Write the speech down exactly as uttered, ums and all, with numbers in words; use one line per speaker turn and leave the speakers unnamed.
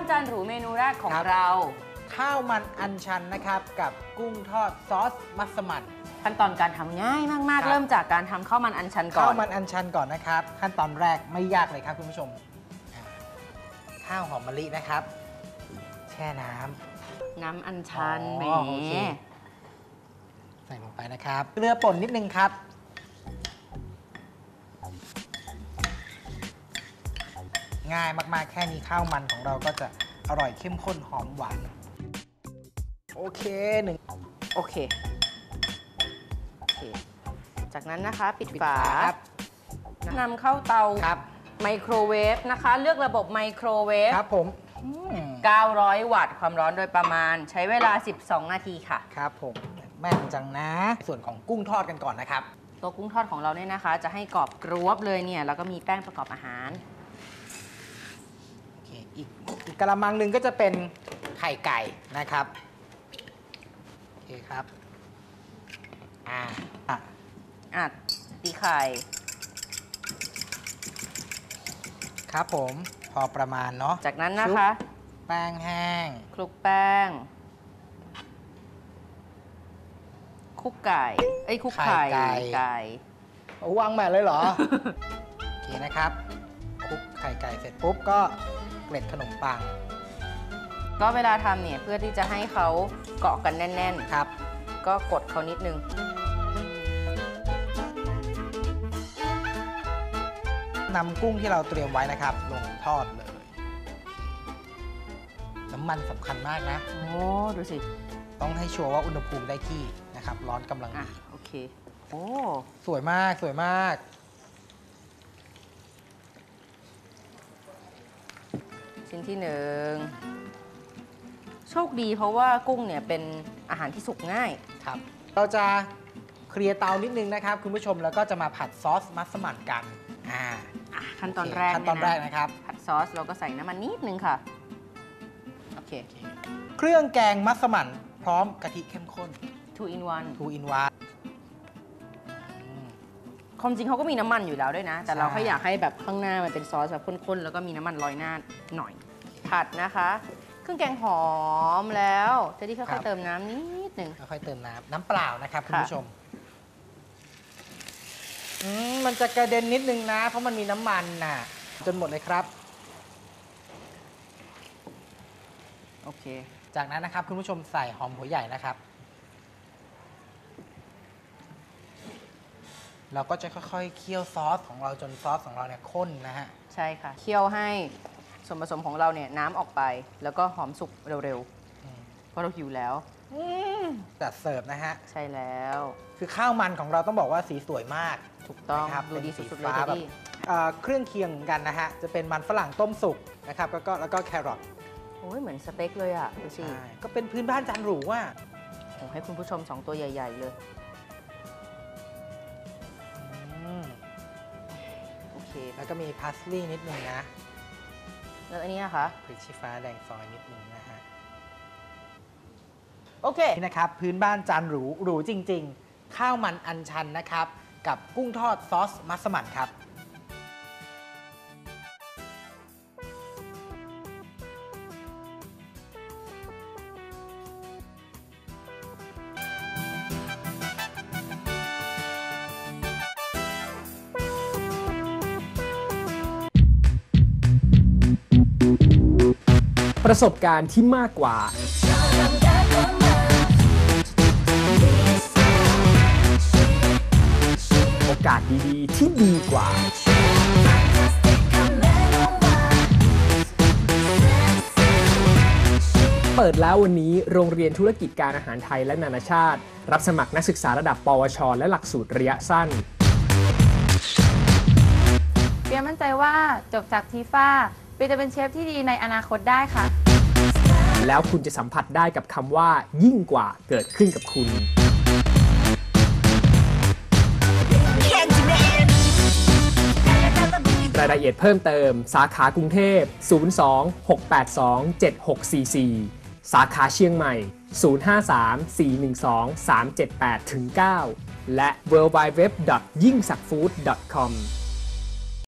จานหรูเมนูแรกของเรา
ข้าวมันอัญชันนะครับกับกุ้งทอดซอสมัสมั่น
ขั้นตอนการทำง่ายมากๆเริ่มจากการทำข้าวมันอัญชันก่อน
ข้าวมันอัญชันก่อนนะครับขั้นตอนแรกไม่ยากเลยครับคุณผู้ชมข้าวหอมมะลินะครับแช่น้ำ
น้ำอัญชันแหม
ใส่ลงไปนะครับเกลือป่นนิดนึงครับง่ายมากๆแค่นี้ข้าวมันของเราก็จะอร่อยเข้มข้นหอมหวานโอเคหนึ่ง
โอเคโอเคจากนั้นนะคะปิดฝา นำเข้าเตาไมโครเวฟนะคะเลือกระบบไมโครเวฟ
ครับผม
เก้าร้อยวัตต์ความร้อนโดยประมาณใช้เวลาสิบสองนาทีค่ะ
ครับผมแม่นจังนะส่วนของกุ้งทอดกันก่อนนะครับ
ตัวกุ้งทอดของเราเนี่ยนะคะจะให้กรอบกรวบเลยเนี่ยแล้วก็มีแป้งประกอบอาหาร
โอเคอีกอีกกระมังหนึ่งก็จะเป็นไข่ไก่นะครับโอเคครับอ่า
อ่ะตีไข่
ครับผมพอประมาณเนาะ
จากนั้นนะคะ
แป้งแห้ง
คลุกแป้งคลุกไก่เอ้ยคลุกไข่ไก่
วางแบบเลยเหรอ โอเคนะครับคลุกไข่ไก่เสร็จปุ๊บก็เกล็ดขนมปัง
ก็เวลาทำเนี่ยเพื่อที่จะให้เขาเกาะกันแน่น
ๆครับ
ก็กดเขานิดนึง
นำกุ้งที่เราเตรียมไว้นะครับลงทอดเลยน้ำมันสำคัญมากนะ
โอ้ดูสิ
ต้องให้ชัวร์ว่าอุณหภูมิได้ที่นะครับร้อนกำลังดี
โอเคโอ้
สวยมากสวยมาก
ชิ้นที่หนึ่งโชคดีเพราะว่ากุ้งเนี่ยเป็นอาหารที่สุกง่าย
ครับเราจะเคลียร์เตานิดนึงนะครับคุณผู้ชมแล้วก็จะมาผัดซอสมัสมั่นกันอ่า
ขั้นตอนแรก
ขั้นตอนแรกนะครับ
ผัดซอสเราก็ใส่น้ำมันนิดนึงค่ะโอเค
เครื่องแกงมัสมั่นพร้อมกะทิเข้มข้น
two in one
two in one
ความจริงเขาก็มีน้ำมันอยู่แล้วด้วยนะแต่เราแค่อยากให้แบบข้างหน้ามันเป็นซอสแบบข้นๆแล้วก็มีน้ำมันลอยหน้าหน่อยผัดนะคะเครื่องแกงหอมแล้วจะที่ค่อยๆเติมน้ำนิดนึง
ค่อยๆเติมน้ำน้ำเปล่านะครับคุณผู้ชมมันจะกระเด็นนิดนึงนะเพราะมันมีน้ำมันน่ะจนหมดเลยครับ
โอเค
จากนั้นนะครับคุณผู้ชมใส่หอมหัวใหญ่นะครับเราก็จะค่อยๆเคี่ยวซอสของเราจนซอสของเราเนี่ยข้นนะฮะ
ใช่ค่ะเคี่ยวให้ส่วนผสมของเราเนี่ยน้ำออกไปแล้วก็หอมสุกเร็วๆเพราะเราหิวแล้ว
จัดเสิร์ฟนะฮะ
ใช่แล้ว
คือข้าวมันของเราต้องบอกว่าสีสวยมาก
ถูกต้องดูดีสุดๆเลย
แบบเครื่องเคียงกันนะฮะจะเป็นมันฝรั่งต้มสุกนะครับแล้วก็แล้วก็แครอท
โอ้ยเหมือนสเต็กเลยอ่ะดูสิ
ก็เป็นพื้นบ้านจานหรูว่า
โอ้ให้คุณผู้ชมสองตัวใหญ่ๆเลยโอเค
แล้วก็มีพาสลีย์นิดนึงนะ
แล้วอันนี้นะคะ
พริกชี้ฟ้าแดงซอยนิดนึงนะฮะ
โอเค
นี่นะครับพื้นบ้านจานหรูหรูจริงๆข้าวมันอัญชันนะครับกับกุ้งทอดซอสมัสมั่นครับ
ประสบการณ์ที่มากกว่าโอกาสดีๆที่ดีกว่าเปิดแล้ววันนี้โรงเรียนธุรกิจการอาหารไทยและนานาชาติรับสมัครนักศึกษาระดับปวชและหลักสูตรระยะสั้น
เปียมั่นใจว่าจบจากทีฟ้าเปียจะเป็นเชฟที่ดีในอนาคตได้ค่ะ
แล้วคุณจะสัมผัสได้กับคำว่ายิ่งกว่าเกิดขึ้นกับคุณรายละเอียดเพิ่มเติมสาขากรุงเทพศูนย์ สอง หก แปด สอง เจ็ด หก สี่ สี่สาขาเชียงใหม่ศูนย์ ห้า สาม สี่ หนึ่ง สอง สาม เจ็ด แปด เก้าและ ดับเบิลยู ดับเบิลยู ดับเบิลยู ดอท ยิ่งสักฟู้ด ดอท คอม